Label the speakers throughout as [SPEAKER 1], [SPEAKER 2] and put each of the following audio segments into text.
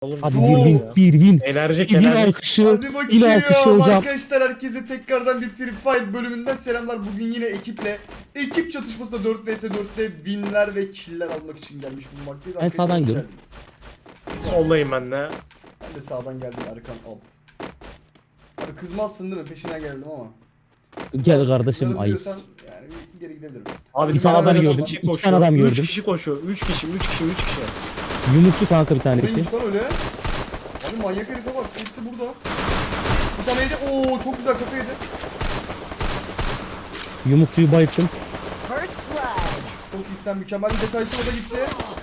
[SPEAKER 1] Oğlum,
[SPEAKER 2] Hadi
[SPEAKER 3] Oo.
[SPEAKER 2] bir win.
[SPEAKER 1] enerji
[SPEAKER 2] Bir
[SPEAKER 1] enerji.
[SPEAKER 2] alkışı.
[SPEAKER 3] Hadi
[SPEAKER 2] Bir
[SPEAKER 3] bakayım
[SPEAKER 2] alkışı hocam.
[SPEAKER 3] arkadaşlar, herkese tekrardan bir Free Fire bölümünden selamlar. Bugün yine ekip çatışmasında 4 vs 4'te winler ve killer almak için gelmiş bulunmaktayız.
[SPEAKER 2] Ben sağdan
[SPEAKER 3] Hoş
[SPEAKER 2] gidiyorum.
[SPEAKER 3] geldiniz.
[SPEAKER 1] Olayım ben de.
[SPEAKER 3] Ben de sağdan geldim, Erkan al. Abi kızmazsın değil mi? Peşine geldim ama.
[SPEAKER 2] Gel kardeşim
[SPEAKER 3] Kızarım
[SPEAKER 2] ayıp.
[SPEAKER 3] diyorsan yani geri gidebilirim.
[SPEAKER 1] Abi
[SPEAKER 2] Bir tane
[SPEAKER 1] sağdan
[SPEAKER 2] adam
[SPEAKER 1] iki
[SPEAKER 2] gördüm,
[SPEAKER 1] kişi
[SPEAKER 2] iki
[SPEAKER 1] koşuyor.
[SPEAKER 2] tane adam
[SPEAKER 1] 3
[SPEAKER 2] gördüm.
[SPEAKER 1] kişi koşuyor. 3 kişi.
[SPEAKER 2] Yumrukçu kanka bir tanesi.
[SPEAKER 3] Neymiş lan öyle? Abi manyak herife bak, hepsi burada. Bir tane yedi. Oo çok güzel, kafa yedi.
[SPEAKER 2] Yumrukçuyu bayılttım.
[SPEAKER 4] First blood.
[SPEAKER 3] Çok iyi, sen mükemmel bir detaysın, o da gitti.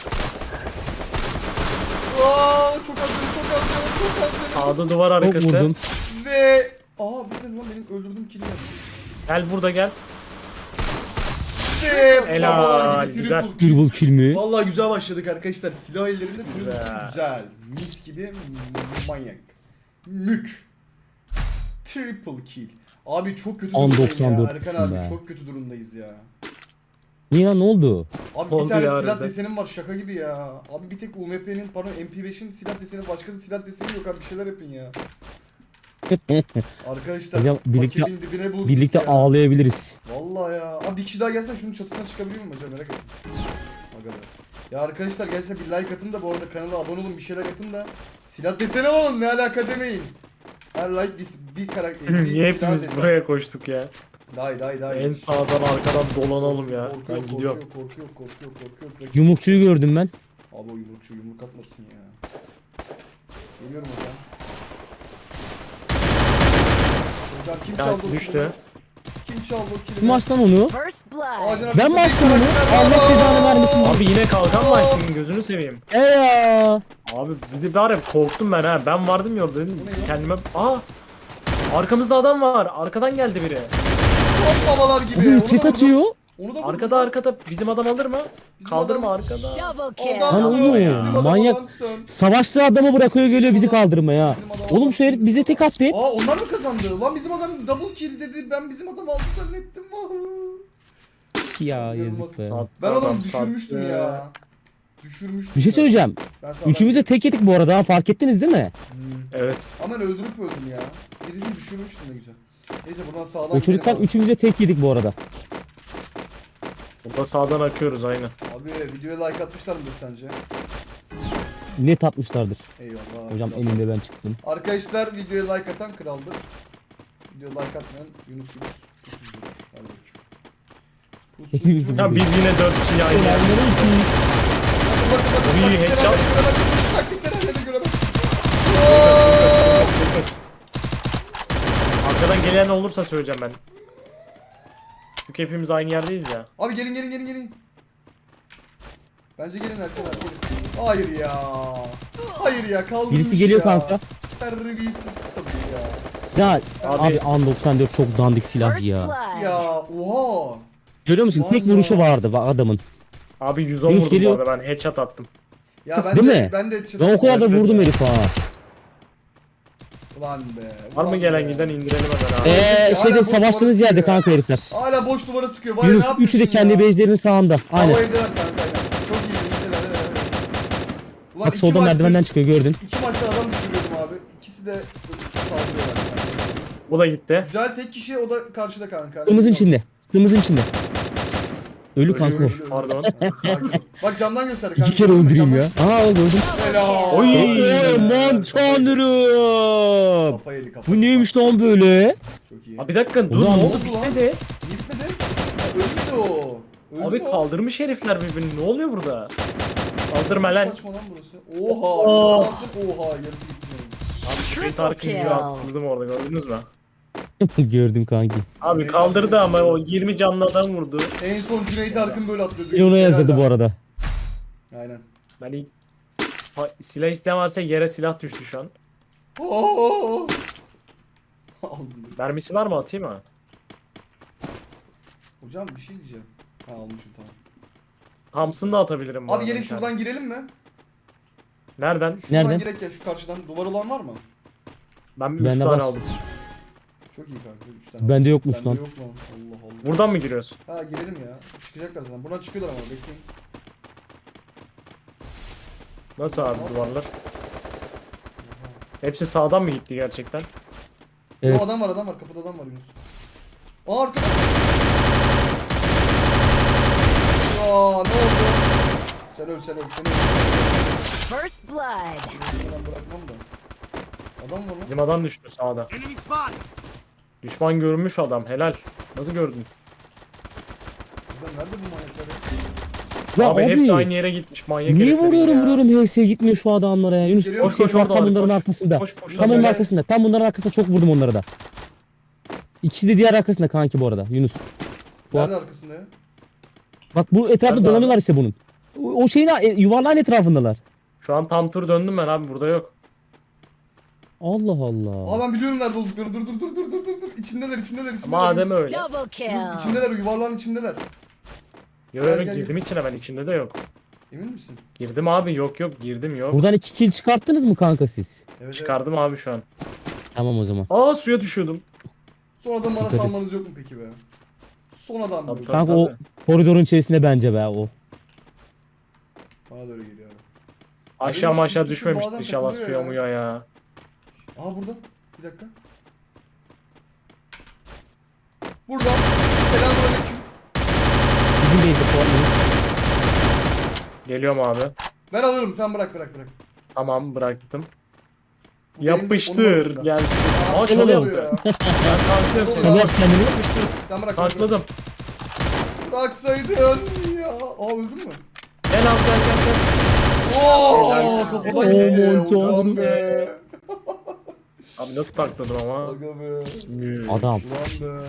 [SPEAKER 3] Aa, çok az canım, çok az canım, çok az canım.
[SPEAKER 1] Sağda duvar
[SPEAKER 2] Çok
[SPEAKER 1] arkası.
[SPEAKER 2] vurdum.
[SPEAKER 3] Ve bitmedi lan, benim öldürdüğüm kill'i yaptı.
[SPEAKER 1] Gel burada gel.
[SPEAKER 3] Ve
[SPEAKER 1] Helal,
[SPEAKER 3] babalar gibi
[SPEAKER 1] güzel.
[SPEAKER 3] triple kill.
[SPEAKER 2] Dürbül filmi.
[SPEAKER 3] Vallahi güzel başladık arkadaşlar. Silah ellerinde triple
[SPEAKER 1] Güzel.
[SPEAKER 3] kill güzel. Mis gibi manyak. Mük. Triple kill. Abi çok kötü
[SPEAKER 2] An
[SPEAKER 3] durumdayız ya.
[SPEAKER 2] 94
[SPEAKER 3] Erkan abi
[SPEAKER 2] be.
[SPEAKER 3] çok kötü durumdayız ya.
[SPEAKER 2] Niye lan ne oldu?
[SPEAKER 3] Abi
[SPEAKER 1] Oldu
[SPEAKER 3] bir tane
[SPEAKER 1] ya
[SPEAKER 3] silah
[SPEAKER 1] arada.
[SPEAKER 3] desenim var, şaka gibi ya. Abi bir tek UMP'nin, pardon MP5'in silah deseni, başka da silah deseni yok abi, bir şeyler yapın ya. Arkadaşlar
[SPEAKER 2] Hocam birlikte-
[SPEAKER 3] paketin dibine bulduk
[SPEAKER 2] Birlikte
[SPEAKER 3] ya.
[SPEAKER 2] ağlayabiliriz.
[SPEAKER 3] Vallahi ya. Abi bir kişi daha gelsen şunun çatısına çıkabiliyor muyum hocam, merak ettim. Aga be. Ya arkadaşlar gerçekten bir like atın da bu arada kanala abone olun, bir şeyler yapın da silah deseni alın, ne alaka demeyin. Her like bir karakter. bir
[SPEAKER 1] Niye
[SPEAKER 3] silah
[SPEAKER 1] hepimiz
[SPEAKER 3] deseni.
[SPEAKER 1] buraya koştuk ya?
[SPEAKER 3] Day.
[SPEAKER 1] En sağdan arkadan dolanalım ya.
[SPEAKER 3] Korku
[SPEAKER 1] Ben
[SPEAKER 3] yok,
[SPEAKER 1] gidiyorum.
[SPEAKER 3] korku yok.
[SPEAKER 2] Yumrukçuyu gördüm ben.
[SPEAKER 3] Abi o yumrukçu yumruk atmasın ya. Geliyorum hocam. Hocam kim çaldı
[SPEAKER 1] Gelsin
[SPEAKER 3] o
[SPEAKER 1] düştü.
[SPEAKER 3] kilimi? Kim çaldı o kilimi?
[SPEAKER 2] Kim açtı lan onu?
[SPEAKER 4] First blood.
[SPEAKER 3] Ağacın
[SPEAKER 2] Ben
[SPEAKER 3] arkasında
[SPEAKER 2] mi
[SPEAKER 3] bir
[SPEAKER 2] açtım onu?
[SPEAKER 3] karakter var.
[SPEAKER 2] Allah cezanı vermesin.
[SPEAKER 1] Abi yine kalkan var şimdi, gözünü seveyim.
[SPEAKER 2] Ya.
[SPEAKER 1] Abi bir de bari korktum ben ha. Ben vardım ya orada dedim
[SPEAKER 3] Bu ne ya?
[SPEAKER 1] kendime. Arkamızda adam var. Arkadan geldi biri.
[SPEAKER 3] Hop babalar gibi.
[SPEAKER 2] Oğlum
[SPEAKER 3] Onu da
[SPEAKER 2] tek
[SPEAKER 3] vurdum.
[SPEAKER 2] atıyor.
[SPEAKER 3] Onu da vurdum.
[SPEAKER 1] Arkada bizim adam alır mı?
[SPEAKER 3] Bizim
[SPEAKER 1] Kaldırma
[SPEAKER 3] adam-
[SPEAKER 1] arkada.
[SPEAKER 4] Double kill.
[SPEAKER 2] Lan
[SPEAKER 3] Adamsın.
[SPEAKER 2] oğlum,
[SPEAKER 3] Bizim adam
[SPEAKER 2] manyak.
[SPEAKER 3] adamsın.
[SPEAKER 2] Savaştığı adamı bırakıyor geliyor bizi kaldırmaya.
[SPEAKER 3] Bizim adam
[SPEAKER 2] Oğlum şu herif bize tek attı.
[SPEAKER 3] Aa onlar mı kazandı? Lan bizim adam double kill dedi. Ben bizim adam aldı zannettim.
[SPEAKER 2] Ya yazık be.
[SPEAKER 1] Sattı
[SPEAKER 3] Ben
[SPEAKER 1] adam,
[SPEAKER 3] onu düşürmüştüm
[SPEAKER 1] sattı.
[SPEAKER 3] ya. Düşürmüştüm.
[SPEAKER 2] Bir şey söyleyeceğim.
[SPEAKER 3] Ben sana-
[SPEAKER 2] Üçümüz de tek yedik bu arada, ha, fark ettiniz değil mi?
[SPEAKER 1] Evet.
[SPEAKER 3] Ama ben öldürüp öldüm ya. Birisini düşürmüştüm, ne güzel. Neyse buradan sağdan
[SPEAKER 2] O çocuktan
[SPEAKER 3] gidelim
[SPEAKER 2] üçümüz de tek yedik bu arada.
[SPEAKER 1] Burada sağdan akıyoruz aynen.
[SPEAKER 3] abi. Abi videoya like atmışlar mıdır sence?
[SPEAKER 2] Net atmışlardır.
[SPEAKER 3] Eyvallah.
[SPEAKER 2] Hocam
[SPEAKER 3] Eyvallah.
[SPEAKER 2] elinde ben çıktım.
[SPEAKER 3] Arkadaşlar videoya like atan kraldır. Videoya like atmayan Yunus gibi pusucudur. Hadi bakayım.
[SPEAKER 2] Hepimiz
[SPEAKER 3] Pusucu.
[SPEAKER 2] de
[SPEAKER 1] Ya biz yine 4 kişi aynı yerde.
[SPEAKER 3] Bakın,
[SPEAKER 1] Bir
[SPEAKER 3] taktikleri
[SPEAKER 1] headshot.
[SPEAKER 3] hala göremezsiniz, taktikleri hala göremezsiniz.
[SPEAKER 1] Arkadan gelen olursa söyleyeceğim ben. Çünkü hepimiz aynı yerdeyiz ya.
[SPEAKER 3] Abi gelin. Bence gelin arkadaşlar, gelin. Hayır ya. Hayır ya, kaldırmış
[SPEAKER 2] Birisi geliyor
[SPEAKER 3] ya.
[SPEAKER 2] kanka.
[SPEAKER 3] Terbiyesiz tabii ya.
[SPEAKER 2] Ya
[SPEAKER 1] Abi-
[SPEAKER 2] abi An 94 çok dandik silah
[SPEAKER 4] First
[SPEAKER 2] ya.
[SPEAKER 4] blood.
[SPEAKER 3] Ya oha.
[SPEAKER 2] Görüyor musun? Tek
[SPEAKER 3] Vallahi.
[SPEAKER 2] vuruşu vardı adamın.
[SPEAKER 1] Abi 110
[SPEAKER 2] Yunus
[SPEAKER 1] vurdum bu
[SPEAKER 2] geliyor.
[SPEAKER 1] arada, ben headshot attım.
[SPEAKER 3] Ya ben
[SPEAKER 2] Değil
[SPEAKER 3] de
[SPEAKER 2] mi?
[SPEAKER 3] ben de
[SPEAKER 2] Ben o kadar da vurdum herif ha.
[SPEAKER 3] Ulan be.
[SPEAKER 1] Var mı
[SPEAKER 3] ulan
[SPEAKER 1] gelen
[SPEAKER 3] be.
[SPEAKER 1] giden indirelim hemen abi.
[SPEAKER 3] Hala
[SPEAKER 2] Şeyde
[SPEAKER 3] boş
[SPEAKER 2] savaştığınız
[SPEAKER 3] numarası
[SPEAKER 2] yerde
[SPEAKER 3] ya.
[SPEAKER 2] kanka herifler.
[SPEAKER 3] Hala boş duvara sıkıyor. Var ya,
[SPEAKER 2] Yunus
[SPEAKER 3] ne
[SPEAKER 2] üçü de
[SPEAKER 3] yapıyorsun
[SPEAKER 2] kendi
[SPEAKER 3] ya?
[SPEAKER 2] base'lerinin sağında. Aynen.
[SPEAKER 3] Hava evdeler kanka, aynen. Çok iyi Yunus, helal. Ulan
[SPEAKER 2] Bak
[SPEAKER 3] iki
[SPEAKER 2] soldan
[SPEAKER 3] maçtır-
[SPEAKER 2] merdivenden çıkıyor gördün.
[SPEAKER 3] İki maçta adam düşürüyordum abi. İkisi de saldırıyorlar.
[SPEAKER 1] Bu da gitti.
[SPEAKER 3] Güzel, tek kişi, o da karşıda kanka.
[SPEAKER 2] Kırmızın içinde. Kırmızın içinde. Ölü
[SPEAKER 3] Ölü,
[SPEAKER 2] kanka o.
[SPEAKER 3] ölü, ölü.
[SPEAKER 1] Pardon.
[SPEAKER 3] Sakin ol. Bak camdan gösterdi kanka.
[SPEAKER 2] İki kere öldüreyim ya. Aa gördüm.
[SPEAKER 3] Helal.
[SPEAKER 1] Oy.
[SPEAKER 2] Aman tanrım.
[SPEAKER 3] Kafa yedi, kafa
[SPEAKER 2] Bu
[SPEAKER 3] yedi.
[SPEAKER 2] neymiş lan böyle?
[SPEAKER 3] Çok iyi.
[SPEAKER 1] Abi bir dakika dur,
[SPEAKER 2] Ulan
[SPEAKER 1] ne
[SPEAKER 2] ne
[SPEAKER 1] oldu,
[SPEAKER 3] oldu lan?
[SPEAKER 1] bitmedi.
[SPEAKER 3] Gitmedi. Ha, ölmedi o. Öldü
[SPEAKER 1] Abi
[SPEAKER 3] mü o?
[SPEAKER 1] kaldırmış herifler birbirini, ne oluyor burada? Kaldırma lan.
[SPEAKER 3] Saçma lan burası. Oha. Oha, yarısı gitti.
[SPEAKER 1] Abi
[SPEAKER 4] Triple
[SPEAKER 1] Cüneyt Arkın yüzü
[SPEAKER 4] kill.
[SPEAKER 1] attırdım orada, gördünüz mü?
[SPEAKER 2] Gördüm kanki.
[SPEAKER 1] Abi kaldırdı ama o 20 canlı adam vurdu.
[SPEAKER 3] En son Cüneyt Arkın böyle atlıyordu.
[SPEAKER 2] Bir ona yazdı bu arada.
[SPEAKER 3] Aynen.
[SPEAKER 1] Ben ilk... silah isteyen varsa yere silah düştü şu an.
[SPEAKER 3] Oo. Aldım.
[SPEAKER 1] Mermisi var mı, atayım mı?
[SPEAKER 3] Hocam bir şey diyeceğim. Ha, almışım, tamam.
[SPEAKER 1] Thompson da atabilirim bu
[SPEAKER 3] Abi
[SPEAKER 1] arada
[SPEAKER 3] gelin
[SPEAKER 1] bir tane.
[SPEAKER 3] şuradan girelim mi?
[SPEAKER 1] Nereden?
[SPEAKER 3] Şuradan
[SPEAKER 2] Nereden?
[SPEAKER 3] girek ya, şu karşıdan. Duvar olan var mı?
[SPEAKER 1] Ben 3
[SPEAKER 2] Bende
[SPEAKER 1] tane
[SPEAKER 2] var.
[SPEAKER 1] aldım.
[SPEAKER 3] Çok iyi kanka, 3 tane.
[SPEAKER 2] Bende yokmuş
[SPEAKER 3] Bende
[SPEAKER 2] lan.
[SPEAKER 3] yok lan. Allah Allah.
[SPEAKER 1] Buradan mı giriyorsun?
[SPEAKER 3] Ha, girelim ya. Çıkacaklar zaten. Buradan çıkıyorlar ama bekleyin.
[SPEAKER 1] Nasıl abi duvarlar? Hepsi sağdan mı gitti gerçekten?
[SPEAKER 2] Evet.
[SPEAKER 3] O adam var kapıda adam var Yunus. Aa arkada. Aa ne oldu? Sen öl.
[SPEAKER 4] First blood.
[SPEAKER 3] Ben bırakmam da. Adam var lan.
[SPEAKER 1] Bizim adam düştü sağda. Düşman görmüş adam helal. Nasıl gördün?
[SPEAKER 3] Ulan nerede bu manyaklar ya?
[SPEAKER 2] Ya
[SPEAKER 1] abi,
[SPEAKER 2] abi,
[SPEAKER 1] hepsi aynı yere gitmiş manyak
[SPEAKER 2] niye
[SPEAKER 1] herifler
[SPEAKER 2] vuruyorum
[SPEAKER 1] ya.
[SPEAKER 2] HS gitmiyor şu adamlara ya. Yunus
[SPEAKER 3] Geliyor,
[SPEAKER 2] koş
[SPEAKER 3] koş
[SPEAKER 2] bak
[SPEAKER 1] orada
[SPEAKER 2] tam
[SPEAKER 1] abi,
[SPEAKER 2] bunların
[SPEAKER 1] koş.
[SPEAKER 2] arkasında.
[SPEAKER 1] Koş, koş,
[SPEAKER 2] Tam onun
[SPEAKER 3] gel.
[SPEAKER 2] arkasında. Tam bunların arkasında çok vurdum onlara da. İkisi de diğer arkasında kanki bu arada Yunus.
[SPEAKER 3] Nerede arkasında ya?
[SPEAKER 2] Bak bu etrafta
[SPEAKER 1] Nerede
[SPEAKER 2] dolanıyorlar
[SPEAKER 1] abi?
[SPEAKER 2] işte bunun. O şeyin yuvarlağın etrafındalar.
[SPEAKER 1] Şu an tam tur döndüm ben abi burada yok.
[SPEAKER 2] Allah Allah.
[SPEAKER 3] Aa ben biliyorum nerede olduklarını. Dur. İçindeler.
[SPEAKER 1] Madem öyle.
[SPEAKER 4] Double
[SPEAKER 3] Yunus
[SPEAKER 4] kill.
[SPEAKER 3] içindeler, o yuvarlağın içindeler.
[SPEAKER 1] Yok
[SPEAKER 3] Gel,
[SPEAKER 1] yok
[SPEAKER 3] gel,
[SPEAKER 1] girdim içine ben içinde de yok.
[SPEAKER 3] Emin misin?
[SPEAKER 1] Girdim abi yok girdim yok.
[SPEAKER 2] Buradan 2 kill çıkarttınız mı kanka siz?
[SPEAKER 3] Evet.
[SPEAKER 1] Çıkardım abi şu an.
[SPEAKER 2] Tamam o zaman.
[SPEAKER 1] Aa suya düşüyordum.
[SPEAKER 3] Sonradan bana
[SPEAKER 2] Dikkat et.
[SPEAKER 3] salmanız yok mu peki be? Sonradan mı?
[SPEAKER 1] Tabii,
[SPEAKER 2] Kanka o koridorun içerisinde bence be o.
[SPEAKER 3] Bana da öyle geliyor abi.
[SPEAKER 1] Aşağı
[SPEAKER 3] Benim
[SPEAKER 1] aşağı
[SPEAKER 3] tuşum
[SPEAKER 1] düşmemiştir
[SPEAKER 3] bazen
[SPEAKER 1] inşallah
[SPEAKER 3] takılıyor
[SPEAKER 1] suya
[SPEAKER 3] ya.
[SPEAKER 1] muya ya.
[SPEAKER 3] Aha burada. Bir dakika. Burada. Selamünaleyküm.
[SPEAKER 2] Bizim base'de puanlıyoruz.
[SPEAKER 1] Geliyorum abi.
[SPEAKER 3] Ben alırım, sen bırak.
[SPEAKER 1] Tamam bıraktım.
[SPEAKER 3] Bu benim de onun
[SPEAKER 1] Yapıştır
[SPEAKER 3] arasında.
[SPEAKER 1] gelsin.
[SPEAKER 3] Aa,
[SPEAKER 1] Aa
[SPEAKER 3] şöyle
[SPEAKER 1] şöyle
[SPEAKER 3] yapıyor
[SPEAKER 1] yaptı.
[SPEAKER 3] ya.
[SPEAKER 1] Ben tanklıyorum seni.
[SPEAKER 2] Çalıyor kendini.
[SPEAKER 1] Yapıştır.
[SPEAKER 3] Sen bırak.
[SPEAKER 1] Tankladım.
[SPEAKER 3] Bıraksaydın ya. Aa öldün mü?
[SPEAKER 1] Gel abi gel.
[SPEAKER 3] Oo
[SPEAKER 1] Helal.
[SPEAKER 3] kafadan
[SPEAKER 2] Aman
[SPEAKER 3] gitti. Hocam
[SPEAKER 2] tanrım.
[SPEAKER 3] be.
[SPEAKER 1] Abi nasıl takladım ama.
[SPEAKER 3] Aga be.
[SPEAKER 1] Mü.
[SPEAKER 2] Adam.
[SPEAKER 3] Ulan be.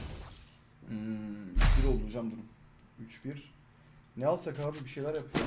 [SPEAKER 3] 3-1 oldu hocam durum. 3-1. Ne alsak abi, bir şeyler yapıyor.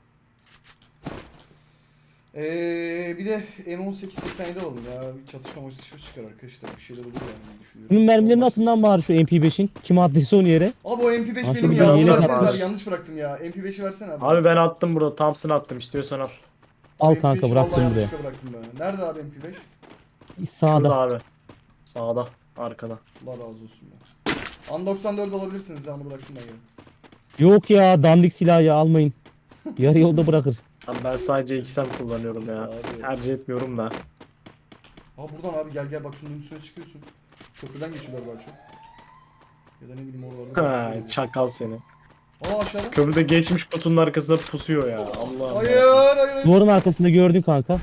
[SPEAKER 3] Bir de M1887 alalım ya. Bir çatışma çıkar arkadaşlar. Bir şeyler olur yani diye düşünüyorum.
[SPEAKER 2] Bunun mermilerin
[SPEAKER 3] Başlarız.
[SPEAKER 2] atından bari şu MP5'in. Kim attıysa onu yere.
[SPEAKER 3] Abi o MP5
[SPEAKER 2] Ha,
[SPEAKER 3] benim
[SPEAKER 2] şurada
[SPEAKER 3] ya.
[SPEAKER 2] bir yelek
[SPEAKER 3] Verseniz
[SPEAKER 1] var.
[SPEAKER 3] abi, yanlış bıraktım ya. MP5'i versene abi.
[SPEAKER 1] Abi ben attım burada. Thompson attım istiyorsan al.
[SPEAKER 2] Al
[SPEAKER 3] MP5'i
[SPEAKER 2] kanka
[SPEAKER 3] vallahi
[SPEAKER 2] bıraktım buraya.
[SPEAKER 3] yanlışlıkla bıraktım ben. Nerede abi MP5?
[SPEAKER 1] Şurada
[SPEAKER 2] Sağda.
[SPEAKER 1] abi. Sağda. Arkada.
[SPEAKER 3] Allah razı olsun ya. An 94 alabilirsiniz ya, onu bıraktım ben ya.
[SPEAKER 2] Yok ya dandik silahı ya almayın. Yarı yolda bırakır.
[SPEAKER 1] Abi ben sadece 2 kullanıyorum ya.
[SPEAKER 3] Abi.
[SPEAKER 1] Tercih etmiyorum da.
[SPEAKER 3] Aa buradan abi gel bak şunun üstüne çıkıyorsun. Köprüden geçiyorlar daha çok. Ya da ne bileyim oralarda.
[SPEAKER 1] Ha, çakal seni.
[SPEAKER 3] Aa aşağıda.
[SPEAKER 1] Köprüde geçmiş kutunun arkasında pusuyor ya. Allah'ım.
[SPEAKER 3] Hayır.
[SPEAKER 2] Duvarın arkasında gördün kanka.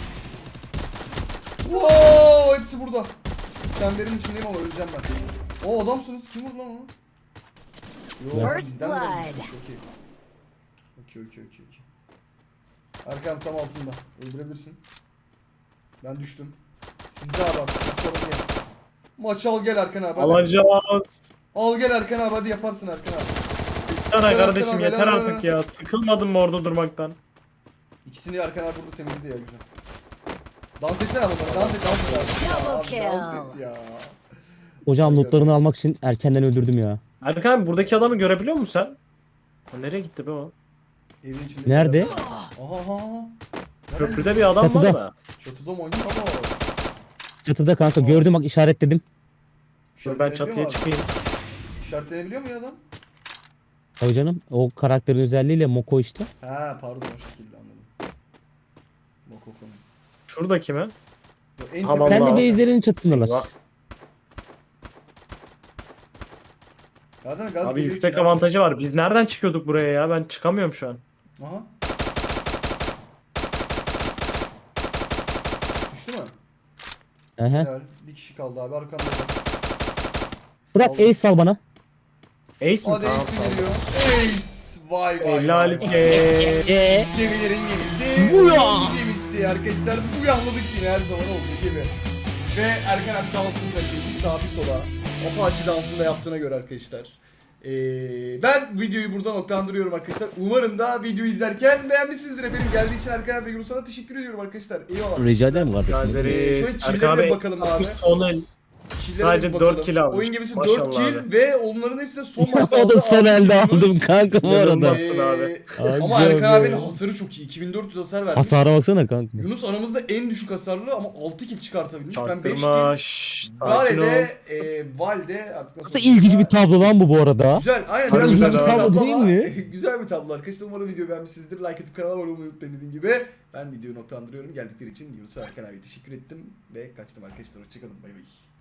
[SPEAKER 3] Wow, hepsi burada. Çemberin içindeyim ama öleceğim ben. O adamsınız. Kim vurdu lan onu? Yo,
[SPEAKER 4] First
[SPEAKER 3] bizden de
[SPEAKER 4] blood.
[SPEAKER 3] düşmüş. Okey. Arkam tam altında. Öldürebilirsin. Ben düştüm. Sizde abi artık. Maç al gel Erkan abi. Hadi.
[SPEAKER 1] Alacağız.
[SPEAKER 3] Al gel Erkan abi, hadi yaparsın Erkan abi.
[SPEAKER 1] Sana
[SPEAKER 3] Helal,
[SPEAKER 1] kardeşim
[SPEAKER 3] helal,
[SPEAKER 1] yeter
[SPEAKER 3] helal,
[SPEAKER 1] artık
[SPEAKER 3] helal.
[SPEAKER 1] ya. Sıkılmadın mı orada durmaktan?
[SPEAKER 3] İkisini Erkan abi burada temizledi ya, güzel. Dans etsene abi onlara. Dans et. Ya,
[SPEAKER 4] Double
[SPEAKER 3] abi,
[SPEAKER 4] kill.
[SPEAKER 3] dans et ya.
[SPEAKER 2] Hocam lootlarını almak için erkenden öldürdüm ya.
[SPEAKER 1] Erkan abi buradaki adamı görebiliyor musun sen? O nereye gitti be o?
[SPEAKER 3] Evin içinde.
[SPEAKER 2] Nerede?
[SPEAKER 3] Aha.
[SPEAKER 1] Köprüde bir adam var
[SPEAKER 2] Çatıda.
[SPEAKER 1] da.
[SPEAKER 3] Çatıda mı oynuyor ama?
[SPEAKER 2] Çatıda kanka gördüm bak işaretledim.
[SPEAKER 1] Dur ben
[SPEAKER 3] İşaretlenebiliyor
[SPEAKER 1] çatıya
[SPEAKER 3] mu abi?
[SPEAKER 1] çıkayım.
[SPEAKER 3] İşaretlenebiliyor mu ya adam?
[SPEAKER 2] Tabii canım o karakterin özelliğiyle Moko işte.
[SPEAKER 3] Ha pardon, o şekilde anladım. Mokoko'nun.
[SPEAKER 1] Şurada mi?
[SPEAKER 3] En
[SPEAKER 1] Ha,
[SPEAKER 3] tepe-
[SPEAKER 1] vallahi.
[SPEAKER 2] Kendi
[SPEAKER 1] Allah.
[SPEAKER 2] base'lerinin çatısındalar.
[SPEAKER 1] Eyvah.
[SPEAKER 3] Zaten gaz
[SPEAKER 1] Abi
[SPEAKER 3] geliyor
[SPEAKER 1] yüksek
[SPEAKER 3] ki.
[SPEAKER 1] avantajı var. Biz nereden çıkıyorduk buraya ya? Ben çıkamıyorum şu an.
[SPEAKER 3] Aha. Düştü mü?
[SPEAKER 2] Ehe.
[SPEAKER 3] Helal. Bir kişi kaldı abi arkamda.
[SPEAKER 2] Bırak
[SPEAKER 3] Aldım.
[SPEAKER 2] ace sal bana.
[SPEAKER 1] Ace mi?
[SPEAKER 3] Hadi
[SPEAKER 1] Tamam,
[SPEAKER 3] Ace mi
[SPEAKER 1] tamam.
[SPEAKER 3] geliyor? Ace! Vay.
[SPEAKER 1] Helal ki.
[SPEAKER 3] Gemilerin gemisi.
[SPEAKER 2] Buya!
[SPEAKER 3] Gemisi arkadaşlar. Buyahladık yine her zaman olduğu gibi. Ve Erkan abi dansını da bir sağa bir sola. Apache dansını da yaptığına göre arkadaşlar. Ben videoyu burada noktalandırıyorum arkadaşlar. Umarım da videoyu izlerken beğenmişsinizdir efendim. Geldiği için Erkan abi ve Yunus'a da teşekkür ediyorum arkadaşlar. Eyvallah.
[SPEAKER 2] Rica ederim kardeşim.
[SPEAKER 3] Şöyle
[SPEAKER 1] Gazeriz.
[SPEAKER 3] killere
[SPEAKER 1] Erkan
[SPEAKER 3] de
[SPEAKER 1] abi
[SPEAKER 3] bakalım abi.
[SPEAKER 1] bu son el
[SPEAKER 3] Kill'lere
[SPEAKER 1] Sadece
[SPEAKER 3] bir bakalım.
[SPEAKER 1] 4 kill almış.
[SPEAKER 3] Oyun gemisi
[SPEAKER 1] Maşallah
[SPEAKER 3] 4 kill
[SPEAKER 1] abi.
[SPEAKER 3] ve onların hepsi de son maçta
[SPEAKER 2] O da son
[SPEAKER 3] aldı.
[SPEAKER 2] elde
[SPEAKER 3] Altı kill
[SPEAKER 2] aldım
[SPEAKER 3] Yunus.
[SPEAKER 2] kanka bu arada.
[SPEAKER 1] İnanılmazsın abi.
[SPEAKER 3] Ama
[SPEAKER 2] Aga
[SPEAKER 3] Erkan
[SPEAKER 2] be.
[SPEAKER 3] abinin hasarı çok iyi. 2400 hasar vermiş.
[SPEAKER 2] Hasara baksana kanka.
[SPEAKER 3] Yunus aramızda en düşük hasarlı ama 6 kill çıkartabilmiş. Ben 5
[SPEAKER 1] Çarptırma.
[SPEAKER 3] kill.
[SPEAKER 1] Şşş. Sakin ol.
[SPEAKER 3] Valde artık
[SPEAKER 2] Nasıl ilginç bir tablo lan bu arada.
[SPEAKER 3] Güzel, aynen
[SPEAKER 1] Çok
[SPEAKER 3] biraz
[SPEAKER 1] güzel
[SPEAKER 3] saçma bir
[SPEAKER 1] abi.
[SPEAKER 3] tablo
[SPEAKER 2] Değil
[SPEAKER 3] ama
[SPEAKER 2] mi?
[SPEAKER 3] güzel bir tablo arkadaşlar. Umarım videoyu beğenmişsinizdir. Like atıp kanala abone olmayı unutmayın dediğim gibi. Ben videoyu noktalandırıyorum. Geldikleri için Yunus'a Erkan abi teşekkür ettim ve kaçtım arkadaşlar. Hoşçakalın. Bay bay.